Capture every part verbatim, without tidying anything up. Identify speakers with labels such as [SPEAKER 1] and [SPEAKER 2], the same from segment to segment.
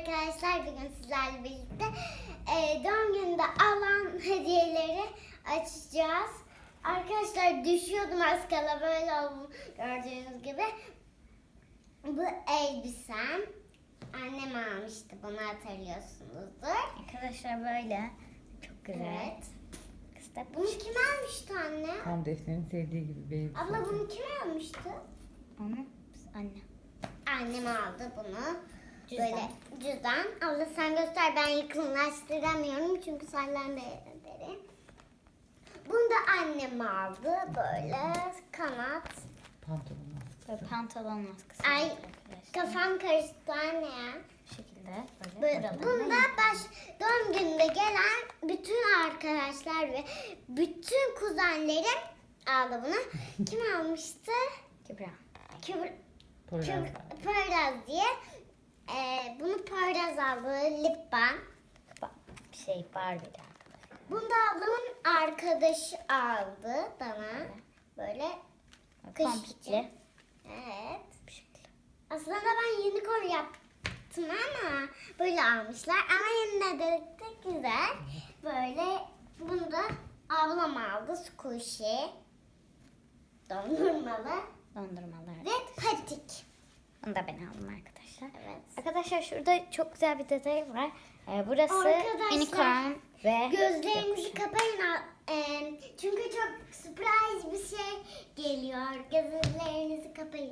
[SPEAKER 1] arkadaşlar, bugün sizlerle birlikte e, doğum gününde alan hediyeleri açacağız. Arkadaşlar düşüyordum az kala, böyle oldu gördüğünüz gibi. Bu elbisem. Annem almıştı, bunu hatırlıyorsunuzdur.
[SPEAKER 2] Arkadaşlar böyle çok güzel.
[SPEAKER 1] Evet.
[SPEAKER 2] Kısa
[SPEAKER 1] Bunu kim almıştı anne?
[SPEAKER 3] Tam Defne'nin sevdiği gibi bir elbise.
[SPEAKER 1] Abla bunu kim almıştı?
[SPEAKER 2] onu anne.
[SPEAKER 1] Annem aldı bunu.
[SPEAKER 2] Cüzdan.
[SPEAKER 1] Böyle cüzdan. Abla sen göster, ben yakınlaştıramıyorum çünkü senden beri. Bunu da annem aldı. Böyle kanat.
[SPEAKER 3] Pantolon
[SPEAKER 2] Böyle
[SPEAKER 3] askısı.
[SPEAKER 2] pantolon maskesi.
[SPEAKER 1] Ay,
[SPEAKER 2] arkadaşlar.
[SPEAKER 1] kafam karıştı anne ya.
[SPEAKER 2] Bu şekilde böyle.
[SPEAKER 1] Böyle,
[SPEAKER 2] buralarına
[SPEAKER 1] bunda baş, doğum gününde gelen bütün arkadaşlar ve bütün kuzenlerim aldı bunu. Kim almıştı?
[SPEAKER 2] Kübra.
[SPEAKER 1] Kübra.
[SPEAKER 3] Poyraz.
[SPEAKER 1] Kübra- Poyraz diye. Ee, bunu Poyraz aldı. Lip balm.
[SPEAKER 2] Bak, bir şey Barbie'li arkadaşlar.
[SPEAKER 1] Bunu da ablamın arkadaşı aldı bana. Böyle kış için.
[SPEAKER 2] Komplikli.
[SPEAKER 1] Evet.
[SPEAKER 2] Bu şekilde.
[SPEAKER 1] Aslında ben unicorn yaptım ama böyle almışlar. Ama yine de, de güzel. Böyle bunu da ablam aldı. Squishy. Dondurmalı.
[SPEAKER 2] Dondurmalar.
[SPEAKER 1] Ve patik.
[SPEAKER 2] Onu da ben aldım arkadaşlar.
[SPEAKER 1] Evet.
[SPEAKER 2] Arkadaşlar şurada çok güzel bir detay var. Ee, burası
[SPEAKER 1] Arkadaşlar,
[SPEAKER 2] unicorn ve
[SPEAKER 1] Gözlerinizi kapayın. Ee, çünkü çok surprise bir şey geliyor. Gözlerinizi kapayın.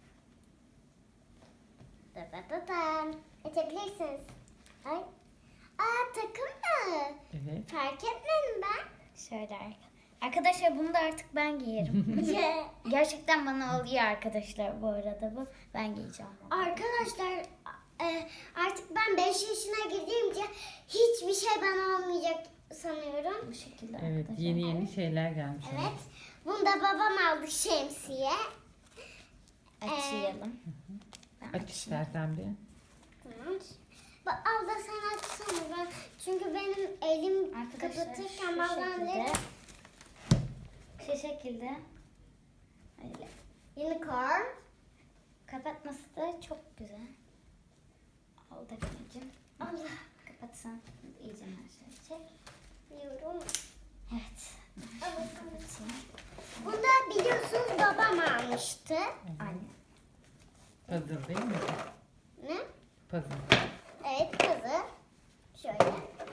[SPEAKER 1] Da da da da. Açabilirsiniz. Ay. Aa, takım mı?
[SPEAKER 3] Evet.
[SPEAKER 1] Fark etmedim ben.
[SPEAKER 2] şöyle arka- Arkadaşlar bunu da artık ben giyerim. Gerçekten bana oluyor arkadaşlar bu arada bu. Ben giyeceğim. bunu.
[SPEAKER 1] Arkadaşlar, e, artık ben beş yaşına girdiğimce hiçbir şey bana olmayacak sanıyorum.
[SPEAKER 2] Bu şekilde
[SPEAKER 3] Evet,
[SPEAKER 2] arkadaşlar.
[SPEAKER 3] yeni yeni şeyler gelmiş. ama.
[SPEAKER 1] Evet. Bunu da babam aldı, şemsiye.
[SPEAKER 2] Açayalım. Ben
[SPEAKER 3] Aç
[SPEAKER 2] açayım.
[SPEAKER 3] istersen bir.
[SPEAKER 1] Tamam. Bak abla sen açsana, ben çünkü benim elim
[SPEAKER 2] Arkadaşlar
[SPEAKER 1] kapatırken
[SPEAKER 2] şu
[SPEAKER 1] bazen
[SPEAKER 2] şekilde.
[SPEAKER 1] de
[SPEAKER 2] Şu şekilde. Öyle.
[SPEAKER 1] unicorn.
[SPEAKER 2] Kapatması da çok güzel. Al Defne'cim.
[SPEAKER 1] Allah
[SPEAKER 2] Kapatsan iyice aşağı çek.
[SPEAKER 1] diyorum.
[SPEAKER 2] Evet.
[SPEAKER 1] Allah sana.
[SPEAKER 2] Kapatayım.
[SPEAKER 1] Bunu da biliyorsunuz babam almıştı.
[SPEAKER 2] Anne.
[SPEAKER 3] Puzzle değil mi?
[SPEAKER 1] Ne?
[SPEAKER 3] Puzzle.
[SPEAKER 1] Evet, kızı. Şöyle.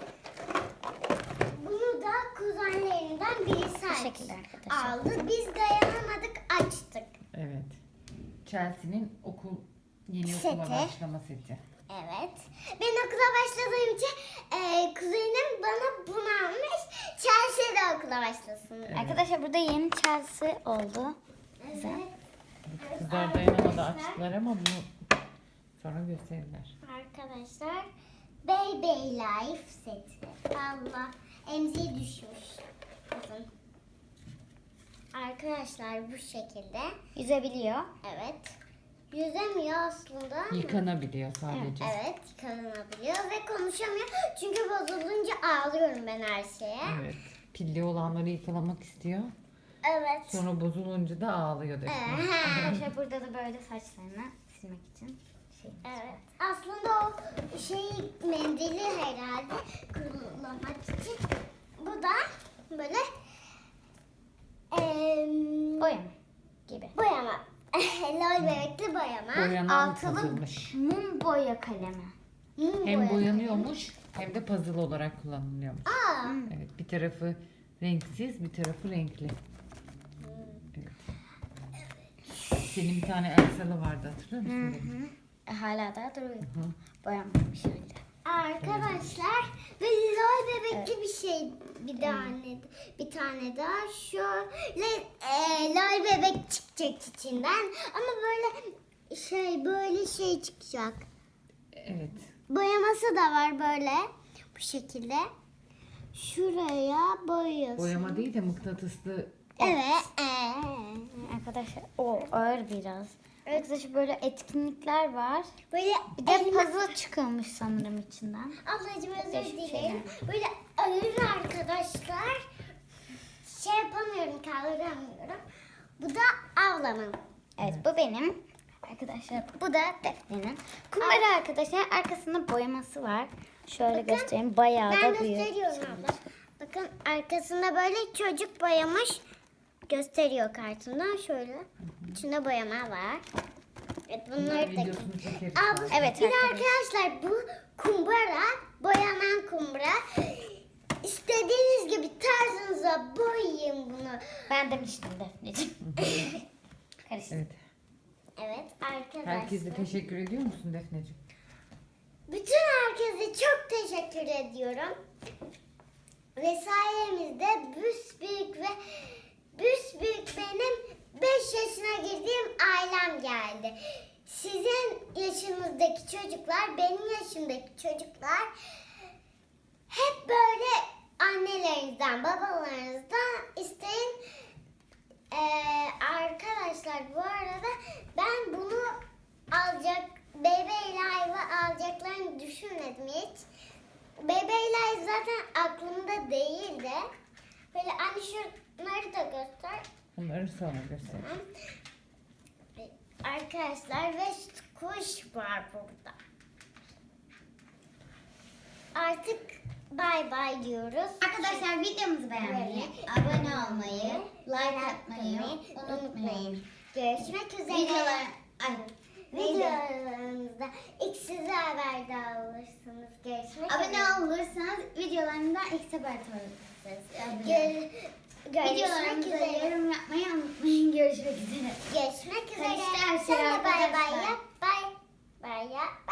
[SPEAKER 1] Bunu da kuzenlerinden birisi
[SPEAKER 2] Bu şekilde arkadaşlar.
[SPEAKER 1] aldı. Biz dayanamadık, açtık.
[SPEAKER 3] Evet. Chelsea'nin okul yeni
[SPEAKER 1] Seti.
[SPEAKER 3] okula başlama seti.
[SPEAKER 1] Evet. Ben okula başladığım için e, kuzenim bana bunu almış. Chelsea de okula başlasın.
[SPEAKER 3] Evet.
[SPEAKER 2] Arkadaşlar burada yeni Chelsea oldu. Güzel.
[SPEAKER 1] Evet.
[SPEAKER 3] Kızlar dayanamadı,
[SPEAKER 1] Arkadaşlar-
[SPEAKER 3] açtılar ama bunu sonra gösterirler.
[SPEAKER 1] Arkadaşlar, Baby Life seti. Allah, emziği düşmüş. Bakın. Arkadaşlar bu şekilde.
[SPEAKER 2] Yüzebiliyor.
[SPEAKER 1] Evet. Yüzemiyor aslında ama.
[SPEAKER 3] Yıkanabiliyor sadece.
[SPEAKER 1] Evet, yıkanabiliyor ve konuşamıyor. Çünkü bozulunca ağlıyorum ben her şeye.
[SPEAKER 3] Evet. Pilli olanları yıkalamak istiyor.
[SPEAKER 1] Evet.
[SPEAKER 3] Sonra bozulunca da ağlıyor Defne.
[SPEAKER 1] Ee,
[SPEAKER 2] Arkadaşlar burada da böyle saçlarını silmek için şey.
[SPEAKER 1] Evet. Aslında o şey mendili herhalde kurulamak için. Bu da böyle em,
[SPEAKER 2] Boyama gibi.
[SPEAKER 1] boyama. Lol bebekli boyama.
[SPEAKER 3] Boyanan
[SPEAKER 2] Altılı
[SPEAKER 3] puzzle'mış.
[SPEAKER 2] mum boya kalemi.
[SPEAKER 1] Mum
[SPEAKER 3] Hem
[SPEAKER 1] boyama.
[SPEAKER 3] boyanıyormuş hem de puzzle olarak kullanılıyormuş.
[SPEAKER 1] Aa.
[SPEAKER 3] Evet, bir tarafı renksiz, bir tarafı renkli. Evet. Senin bir tane Elsa'lı vardı, hatırlıyor musun? benim?
[SPEAKER 2] E, hala daha duruyor. Boyanmamış halde.
[SPEAKER 1] Arkadaşlar ve lol bebekli bir şey, bir tane bir tane daha şöyle e, lol bebek çıkacak içinden ama böyle şey böyle şey çıkacak.
[SPEAKER 3] Evet.
[SPEAKER 1] Boyaması da var böyle bu şekilde. Şuraya boyuyorsun.
[SPEAKER 3] Boyama değil de mıknatıslı.
[SPEAKER 1] Evet. ee.
[SPEAKER 2] Arkadaşlar o ağır biraz. Arkadaşlar böyle etkinlikler var.
[SPEAKER 1] Böyle
[SPEAKER 2] Bir de
[SPEAKER 1] elma-
[SPEAKER 2] puzzle çıkılmış sanırım içinden.
[SPEAKER 1] Ablacığım özür
[SPEAKER 2] Değişik
[SPEAKER 1] dilerim.
[SPEAKER 2] şeyler.
[SPEAKER 1] Böyle ağır arkadaşlar. Şey yapamıyorum, kaldıramıyorum. Bu da ablamın.
[SPEAKER 2] Evet bu benim. Arkadaşlar bu da Defne'nin. Kumbara arkadaşlar arkasında boyaması var. Şöyle
[SPEAKER 1] Bakın,
[SPEAKER 2] göstereyim. Bayağı
[SPEAKER 1] Ben
[SPEAKER 2] da büyük.
[SPEAKER 1] gösteriyorum abla. Bakın arkasında böyle çocuk boyamış. Gösteriyor kartından şöyle. İçinde boyama var. Evet bunları da...
[SPEAKER 3] Videosunu çekeriz.
[SPEAKER 1] Abla,
[SPEAKER 3] sonra.
[SPEAKER 2] Evet
[SPEAKER 1] bir de
[SPEAKER 2] arkadaşlar.
[SPEAKER 1] arkadaşlar bu kumbara, boyanan kumbara. İstediğiniz gibi tarzınıza boyayın bunu.
[SPEAKER 2] Ben demiştim Defneciğim. Karıştı.
[SPEAKER 3] Evet.
[SPEAKER 1] Evet arkadaşlar.
[SPEAKER 3] Herkese teşekkür ediyor musun Defneciğim?
[SPEAKER 1] Bütün herkese çok teşekkür ediyorum. Ve sayemizde büyük ve büyük benim beş yaşına girdiğim ailem geldi. Sizin yaşınızdaki çocuklar, benim yaşımdaki çocuklar hep böyle annelerinizden, babalarınızdan isteyin. Ee, arkadaşlar bu arada ben bunu alacak, Bebe Live'ı alacaklarını düşünmedim hiç. Bebe Live zaten aklımda değildi. Böyle anne şunları da göster.
[SPEAKER 3] Onları sonra göster.
[SPEAKER 1] Arkadaşlar ve kuş var burada. Artık bay bay diyoruz.
[SPEAKER 2] Arkadaşlar videomuzu beğenmeyi, abone olmayı, like atmayı unutmayın.
[SPEAKER 1] Görüşmek üzere.
[SPEAKER 2] Videolar, ay,
[SPEAKER 1] Videolarımızda ilk size haberdar olursunuz. Görüşmek üzere.
[SPEAKER 2] abone olursanız videolarımdan ilk haberdar olursunuz.
[SPEAKER 1] Gör, görüşmek
[SPEAKER 2] Videolarımıza
[SPEAKER 1] üzere.
[SPEAKER 2] yorum yapmayı unutmayın. Görüşmek üzere.
[SPEAKER 1] Görüşmek üzere.
[SPEAKER 2] Karıştı her şey
[SPEAKER 1] Sen de bay bay
[SPEAKER 2] arkadaşlar.
[SPEAKER 1] yap. Bay bay yap.